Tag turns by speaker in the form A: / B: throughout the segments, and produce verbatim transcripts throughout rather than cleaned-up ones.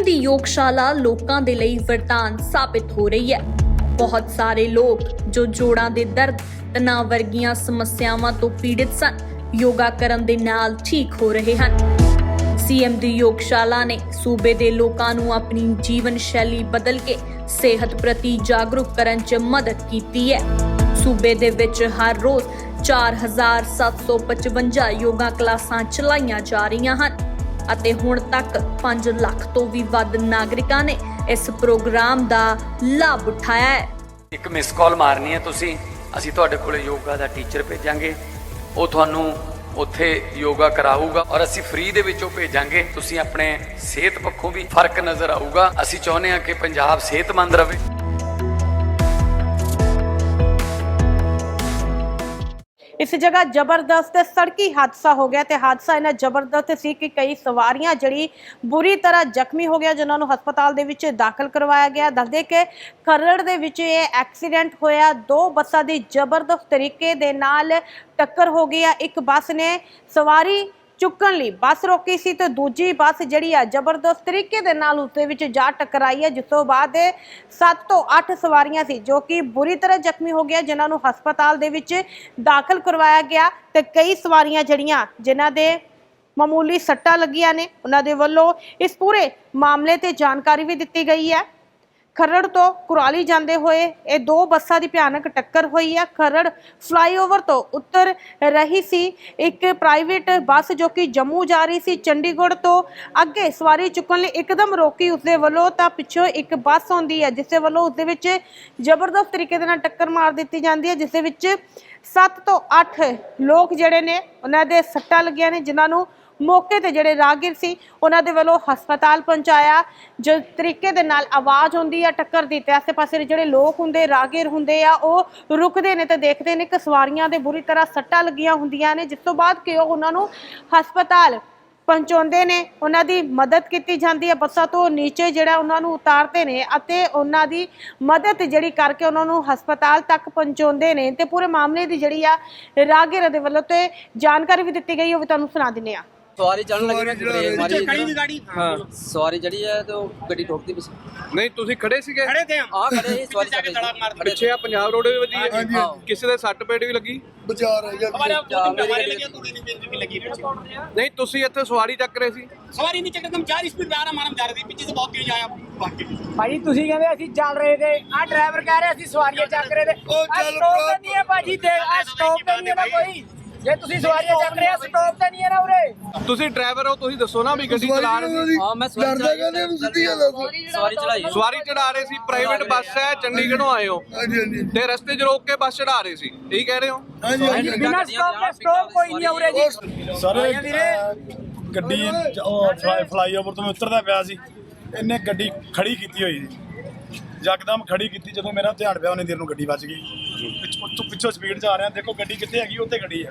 A: CM ਦੀ ਯੋਗਸ਼ਾਲਾ ਲੋਕਾਂ ਦੇ ਲਈ ਵਰਦਾਨ ਸਾਬਿਤ ਹੋ ਰਹੀ ਹੈ। ਬਹੁਤ ਸਾਰੇ ਲੋਕ ਜੋ ਜੋੜਾਂ ਦੇ ਦਰਦ, ਤਣਾਅ ਵਰਗੀਆਂ ਸਮੱਸਿਆਵਾਂ ਤੋਂ ਪੀੜਿਤ ਸਨ, ਯੋਗਾ ਕਰਨ ਦੇ ਨਾਲ ਠੀਕ ਹੋ ਰਹੇ ਹਨ। ਸੀਐਮ ਦੀ ਯੋਗਸ਼ਾਲਾ ਨੇ ਸੂਬੇ ਦੇ ਲੋਕਾਂ ਨੂੰ ਆਪਣੀ ਜੀਵਨ ਸ਼ੈਲੀ ਬਦਲ ਕੇ ਸਿਹਤ ਪ੍ਰਤੀ ਜਾਗਰੂਕ ਕਰਨ 'ਚ ਮਦਦ ਕੀਤੀ ਹੈ। ਸੂਬੇ ਦੇ ਵਿੱਚ ਹਰ ਰੋਜ਼ ਚਾਰ ਹਜ਼ਾਰ ਸੱਤ ਸੌ ਪਚਵੰਜਾ ਯੋਗਾ ਕਲਾਸਾਂ ਚਲਾਈਆਂ ਜਾ ਰਹੀਆਂ ਹਨ ਅਤੇ ਹੁਣ ਤੱਕ ਪੰਜ ਲੱਖ ਤੋਂ ਵੀ ਵੱਧ ਨਾਗਰਿਕਾਂ ਨੇ ਇਸ ਪ੍ਰੋਗਰਾਮ ਦਾ ਲਾਭ ਉਠਾਇਆ ਹੈ।
B: ਇੱਕ ਮਿਸ ਕਾਲ ਮਾਰਨੀ ਹੈ ਤੁਸੀਂ, ਅਸੀਂ ਤੁਹਾਡੇ ਕੋਲੇ ਯੋਗਾ ਦਾ ਟੀਚਰ ਭੇਜਾਂਗੇ, ਉਹ ਤੁਹਾਨੂੰ ਉੱਥੇ ਯੋਗਾ ਕਰਾਊਗਾ ਔਰ ਅਸੀਂ ਫ੍ਰੀ ਦੇ ਵਿੱਚੋਂ ਭੇਜਾਂਗੇ। ਤੁਸੀਂ ਆਪਣੇ ਸਿਹਤ ਪੱਖੋਂ ਵੀ ਫਰਕ ਨਜ਼ਰ ਆਊਗਾ। ਅਸੀਂ ਚਾਹੁੰਦੇ ਹਾਂ ਕਿ ਪੰਜਾਬ ਸਿਹਤਮੰਦ ਰਹੇ।
C: इस जगह जबरदस्त सड़की हादसा हो गया तो हादसा इन्ना जबरदस्त सी कि कई सवारियां जड़ी बुरी तरह जख्मी हो गया, जिन्होंने हस्पताल दे विच दाखिल करवाया गया। दसदे कि खरड़ दे विच ये एक्सीडेंट होया, दो बसां दी जबरदस्त तरीके दे नाल टक्कर हो गई। एक बस ने सवारी चुकन लई बस रोकी सी तो दूजी बस जिहड़ी आ जबरदस्त तरीके दे नाल उस दे विच जा टकराई है, जिस तों बाद सत्त तो अठ सवारियां सी जो कि बुरी तरह जख्मी हो गया, जिन्हां नूं हस्पताल दे विच दाखिल करवाया गया। ते कई सवारियां जिहड़ियां जिन्हां दे मामूली सट्टां लगियां ने, उन्हां दे वल्लों इस पूरे मामले ते जानकारी भी दित्ती गई है। खरड़ तो कुराली जाते हुए ये दो बसां की भयानक टक्कर हुई है। खरड़ फ्लाईओवर तो उतर रही सी एक प्राइवेट बस जो कि जम्मू जा रही सी, चंडीगढ़ तो अगे सवारी चुकन लई एकदम रोकी उसदे वल्लों तां पिछों एक बस आउंदी है, जिस दे वल्लों उसदे विच जबरदस्त तरीके दे नाल टक्कर मार दित्ती जांदी है, जिस दे विच सत्त तो अठ लोग जिहड़े ने उन्हां दे सट्टां लगियां ने, जिन्हां नूं मौके ते जिहड़े राहगीर सी उन्हां दे वल्लों हस्पताल पहुंचाया। जो तरीके दे नाल आवाज़ हुंदी है टक्कर दी, ते आसे पासे दे जिहड़े लोग हुंदे राहगीर हुंदे आ ओह रुकदे ने ते देखदे ने कि सवारियां दे बुरी तरह सट्टां लगियां हुंदियां ने, जिस तों बाद कि ओह उन्हां नूं हस्पताल पहुंचाउंदे ने, उन्हां दी मदद कीती जांदी है। बसां तो नीचे जिहड़ा उन्हां नूं उतारदे ने अते उन्हां दी मदद जिहड़ी करके उन्हां नूं हस्पताल तक पहुंचाउंदे ने। ते पूरे मामले दी जिहड़ी आ राहगीर दे वल्लों ते जानकारी भी दित्ती गई, ओह भी तुहानूं सुणा दिंदे आ।
D: सवारी चढ़न लगी ना
E: नीचे खड़ी थी गाड़ी।
D: हाँ सवारी चढ़ी है तो गड्डी ठोकती बस।
F: नहीं ਤੁਸੀਂ ਖੜੇ ਸੀਗੇ?
E: खड़े थे हम।
D: हाँ खड़े ही सवारी चढ़ रही
F: ਪਿੱਛੇ ਆ ਪੰਜਾਬ ਰੋਡ ਦੇ ਵੱਜੀ ਹੈ,
D: हाँ
F: ਕਿਸੇ ਦੇ ਸੱਟ ਪੇਟ ਵੀ ਲੱਗੀ?
E: बचा रह गया हमारे हमारे लगी थोड़ी सी भी लगी
F: ਨਹੀਂ ਤੁਸੀਂ ਇੱਥੇ ਸਵਾਰੀ ਚੱਕ ਰਹੇ ਸੀ?
E: सवारी नहीं चक्कर हम चार स्पीड आ रहा हमारा जा रहे थे, पीछे से बहुत तेज आया भाग के।
G: ਭਾਜੀ ਤੁਸੀਂ ਕਹਿੰਦੇ ਅਸੀਂ ਚੱਲ ਰਹੇ ਤੇ ਆ ਡਰਾਈਵਰ ਕਹਿ ਰਿਹਾ ਅਸੀਂ ਸਵਾਰੀਆਂ ਚੱਕ ਰਹੇ ਤੇ ਆ ਸਟਾਪ ਤੇ ਨਹੀਂ ਹੈ ਭਾਜੀ, ਤੇ ਆ ਸਟਾਪ ਤੇ ਨਹੀਂ ਹੈ ਨਾ ਕੋਈ। ਜੇ ਤੁਸੀਂ ਸਵਾਰੀਆਂ ਚੱਕ ਰਹੇ ਆ ਸਟਾਪ ਤੇ ਨਹੀਂ ਹੈ ਨਾ ਉਰੇ।
F: ਤੁਸੀਂ ਡਰਾਈਵਰ ਹੋ, ਤੁਸੀਂ ਦੱਸੋ ਨਾ ਵੀ ਗੱਡੀ ਚਲਾ ਰਹੇ ਸੀ?
D: हाँ मैं सवारी सवारी चढ़ाई
F: ਸਵਾਰੀ ਚੜਾ ਰਹੇ ਸੀ, ਪ੍ਰਾਈਵੇਟ ਬੱਸ ਹੈ, ਚੰਡੀਗੜ੍ਹੋਂ ਆਏ ਹੋ ਤੇ ਰਸਤੇ 'ਚ ਰੋਕ ਕੇ ਬੱਸ ਚੜਾ ਰਹੇ ਸੀ, ਇਹੀ ਕਹਿ ਰਹੇ ਹੋ?
G: ਬਿਨਾਂ ਸਟਾਪ ਤੇ ਸਟਾਪ ਕੋਈ ਨਹੀਂ ਉਰੇ ਜੀ।
H: ਸਰ ਗੱਡੀ ਫਲਾਈਓਵਰ ਤੋਂ ਉਤਰਦਾ ਪਿਆ ਸੀ, ਇਹਨੇ ਗੱਡੀ ਖੜੀ ਕੀਤੀ ਹੋਈ ਸੀ, ਯਕਦਮ ਖੜੀ ਕੀਤੀ। ਜਦੋਂ ਮੇਰਾ ਧਿਆਨ ਪਿਆ ਉਹਨੇ ਦੇਰ ਨੂੰ ਗੱਡੀ ਵੱਜ ਗਈ। ਪਿੱਛੋਂ ਪਿੱਛੋਂ ਸਪੀਡ 'ਚ ਆ ਰਿਹਾ, ਦੇਖੋ ਗੱਡੀ ਕਿੱਥੇ ਹੈਗੀ, ਉੱਥੇ ਗੱਡੀ ਹੈ।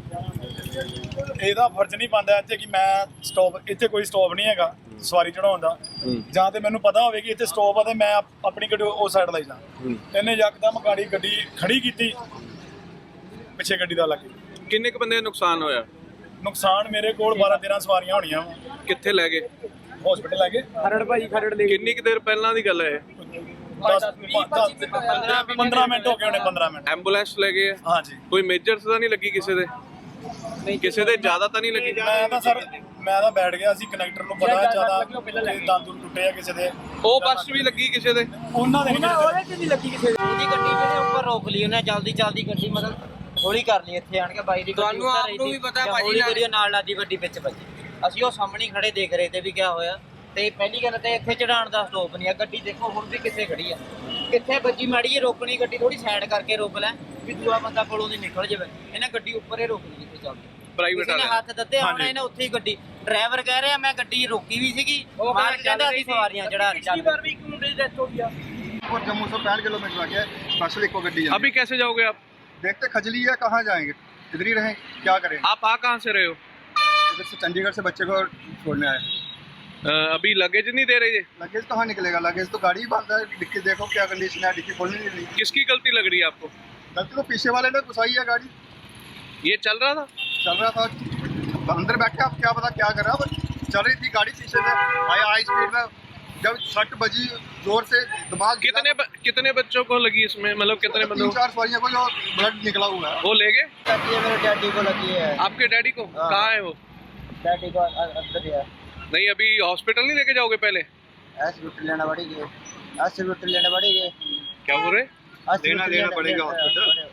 H: ਇਹਦਾ ਫਰਜ਼ ਨਹੀਂ ਬਣਦਾ ਇੱਥੇ ਕਿ ਮੈਂ ਸਟਾਪ, ਇੱਥੇ ਕੋਈ ਸਟਾਪ ਨਹੀਂ ਹੈਗਾ ਸਵਾਰੀ ਚੜਾਉਣ ਦਾ, ਜਾਂ ਤੇ ਮੈਨੂੰ ਪਤਾ ਹੋਵੇ ਕਿ ਇੱਥੇ ਸਟਾਪ ਆ ਤੇ ਮੈਂ ਆਪਣੀ ਗੱਡੀ ਉਸ ਸਾਈਡ ਲਈ ਜਾ। ਇਹਨੇ ਯਕਦਮ ਗਾੜੀ ਗੱਡੀ ਖੜੀ ਕੀਤੀ, ਪਿੱਛੇ ਗੱਡੀ ਦਾ ਲੱਗੇ।
F: ਕਿੰਨੇ ਕੁ ਬੰਦੇ ਦਾ ਨੁਕਸਾਨ ਹੋਇਆ?
H: ਨੁਕਸਾਨ ਮੇਰੇ ਕੋਲ ਬਾਰਾਂ ਤੇਰਾਂ ਸਵਾਰੀਆਂ ਹੋਣੀਆਂ।
F: ਕਿੱਥੇ ਲੈ ਗਏ?
H: ਹਸਪੀਟਲ ਲੈ ਗਏ।
G: ਖਰੜ ਭਾਜੀ ਖਰੜ ਦੇ
F: ਕਿੰਨੀ ਕੁ ਦੇਰ ਪਹਿਲਾਂ ਦੀ ਗੱਲ ਹੈ ਇਹ?
H: ਪੰਦਰਾਂ ਮਿੰਟ ਹੋ ਗਏ ਹੋਣੇ, ਪੰਦਰਾਂ ਮਿੰਟ।
F: ਐਂਬੂਲੈਂਸ ਲੈ ਗਏ?
H: ਹਾਂਜੀ।
F: ਕੋਈ ਮੇਜਰ ਤਾਂ ਨਹੀਂ ਲੱਗੀ ਕਿਸੇ ਦੇ? ਕਿਸੇ ਦੇ ਜ਼ਿਆਦਾ ਤਾਂ ਨਹੀਂ ਲੱਗੀ?
H: ਮੈਂ ਤਾਂ ਸਰ ਮੈਂ ਤਾਂ ਬੈਠ ਗਿਆ ਸੀ, ਕਨੈਕਟਰ ਨੂੰ ਪਤਾ ਜ਼ਿਆਦਾ ਦੰਦ ਟੁੱਟੇ ਆ ਕਿਸੇ ਦੇ।
F: ਉਹ ਬੱਸ ਵੀ ਲੱਗੀ ਕਿਸੇ ਦੇ?
H: ਉਹਨਾਂ ਦੇ
G: ਉਹਦੇ ਚ ਨਹੀਂ ਲੱਗੀ ਕਿਸੇ ਦੀ।
D: ਉਹਦੀ ਗੱਡੀ ਜਿਹੜੇ ਉੱਪਰ ਰੋਕ ਲਈ ਉਹਨੇ, ਜਲਦੀ ਜਲਦੀ ਗੱਡੀ ਮਤਲਬ ਹੌਲੀ ਕਰ ਲਈ ਇੱਥੇ ਆਣ ਕੇ। ਬਾਈ ਦੀ
E: ਤੁਹਾਨੂੰ ਆਪ ਨੂੰ ਵੀ ਪਤਾ ਭਾਜੀ
D: ਹੌਲੀ ਕਰੀ ਨਾਲ ਲਾਦੀ ਗੱਡੀ ਵਿੱਚ ਵੱਜੀ। ਅਸੀਂ ਉਹ ਸਾਹਮਣੇ ਖੜੇ ਦੇਖ ਰਹੇ ਤੇ ਵੀ ਕਿਆ ਹੋਇਆ। ਤੇ ਪਹਿਲੀ ਗੱਲ ਤੇ ਇੱਥੇ ਚੜਾਉਣ ਦਾ ਸਟੋਪ ਨਹੀਂ ਆ। ਗੱਡੀ ਦੇਖੋ ਹੁਣ ਵੀ ਕਿੱਥੇ ਖੜੀ ਆ, ਕਿੱਥੇ ਵੱਜੀ। ਮਾੜੀ ਜਿਹੀ ਰੋਕਣੀ ਗੱਡੀ, ਥੋੜੀ ਸਾਈਡ ਕਰਕੇ ਰੋਕ ਲੈ ਵੀ ਦੂਆ ਬੰਦਾ ਕੋਲੋਂ ਦੀ ਨਿਕਲ ਜਾਵੇ। ਇਹਨੇ ਗੱਡੀ ਉੱਪਰ ਹੀ ਰੋਕ ਲਈ ਜਿੱਥੇ ਚੱਲਦੀ।
F: ਪ੍ਰਾਈਵੇਟ
D: ਵਾਲੇ ਹੱਥ ਦਿੱਤੇ ਹੁਣ ਇਹਨੇ ਉੱਥੇ ਹੀ ਗੱਡੀ। ਡਰਾਈਵਰ ਕਹਿ ਰਿਹਾ ਮੈਂ ਗੱਡੀ ਰੋਕੀ ਵੀ ਸੀਗੀ, ਮਾਰ ਕਹਿੰਦਾ ਅਸੀਂ ਸਵਾਰੀਆਂ ਚੜਾ ਰਹੀ ਚੱਲ।
G: ਵਾਰ ਵੀ ਇੱਕ ਮੁੰਡੇ ਦੀ ਡੈਥ ਹੋ ਗਈ ਆ।
I: और जम्मू से पैंठ किलोमीटर आ गया स्पेशल इको गड्डी है।
F: अभी कैसे जाओगे आप?
I: देखते खजली है, कहाँ जाएंगे, इधर ही रहें, क्या करें।
F: आप आ कहाँ से रहे हो?
I: इधर से चंडीगढ़ से बच्चे को छोड़ने आए।
F: अ, अभी लगेज नहीं दे रहे?
I: लगेज कहाँ निकलेगा, लगेज तो गाड़ी ही बंद है, डिक्की देखो क्या कंडीशन है, डिक्की खोलनी नहीं रही।
F: किसकी गलती लग रही है आपको?
I: गलती तो पीछे वाले ने घुसाई है गाड़ी।
F: ये चल रहा था?
I: चल रहा था अंदर बैठ के, आप क्या पता क्या कर रहा, चल रही थी गाड़ी पीछे से आया हाई स्पीड में, जब सट बजी जोर से दिमाग
F: कितने ब, कितने बच्चों को लगी इसमें, मतलब कितने बंदों
I: तीन चार सवारियों को जो ब्लड निकला हुआ है।
F: वो ले गए?
D: मेरे डैडी को लगी है।
F: आपके डैडी को? कहाँ है वो?
D: डैडी को अंदर है।
F: नहीं, अभी हॉस्पिटल नहीं लेके जाओगे पहले?
D: हॉस्पिटल लेना पड़ेगी, हॉस्पिटल लेना पड़ेगी।
F: क्या बोल रहे?
I: लेना लेना पड़ेगा हॉस्पिटल।